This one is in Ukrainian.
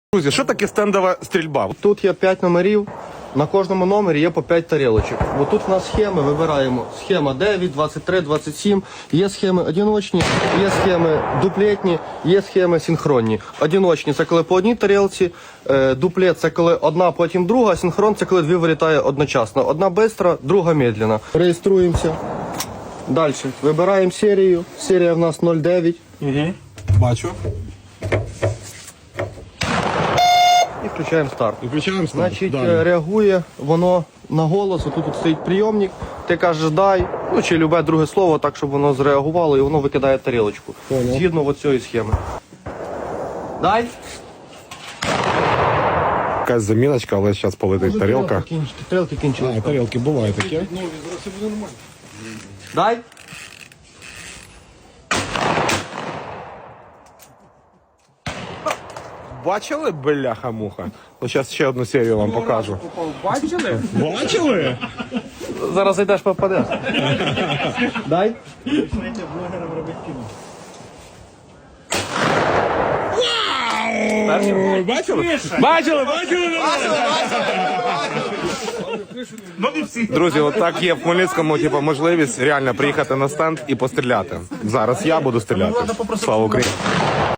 Друзі, що таке стендова стрільба? Тут є 5 номерів, на кожному номері є по 5 тарілочок. Бо тут у нас схеми, вибираємо. Схема 9, 23, 27. Є схеми одиночні, є схеми дуплетні, є схеми синхронні. Одиночні – це коли по одній тарілці, дуплет – це коли одна, потім друга, синхрон – це коли дві вилітає одночасно. Одна швидка, друга медленна. Реєструємося. Далі. Вибираємо серію. Серія в нас 09. Бачу. І включаємо старт. Включаємо старт. Значить, реагує воно на голос. Тут стоїть прийомник, ти кажеш дай, ну чи любе друге слово, так, щоб воно зреагувало, і воно викидає тарілочку. Згідно от цієї схеми. Дай. Якась заміночка, але зараз полетить тарілка. Тарілки кінчились. Тарілки буває таке. Дай. Бачили, бляха-муха? Ну, зараз ще одну серію вам покажу. Бачили? Бачили? Зараз зайдеш, попадеш. Дай. Бачили? Бачили? Ну не всі. Друзі, от так є в Хмельницькому типу, можливість реально приїхати на стенд і постріляти. Зараз я буду стріляти. Слава Україні!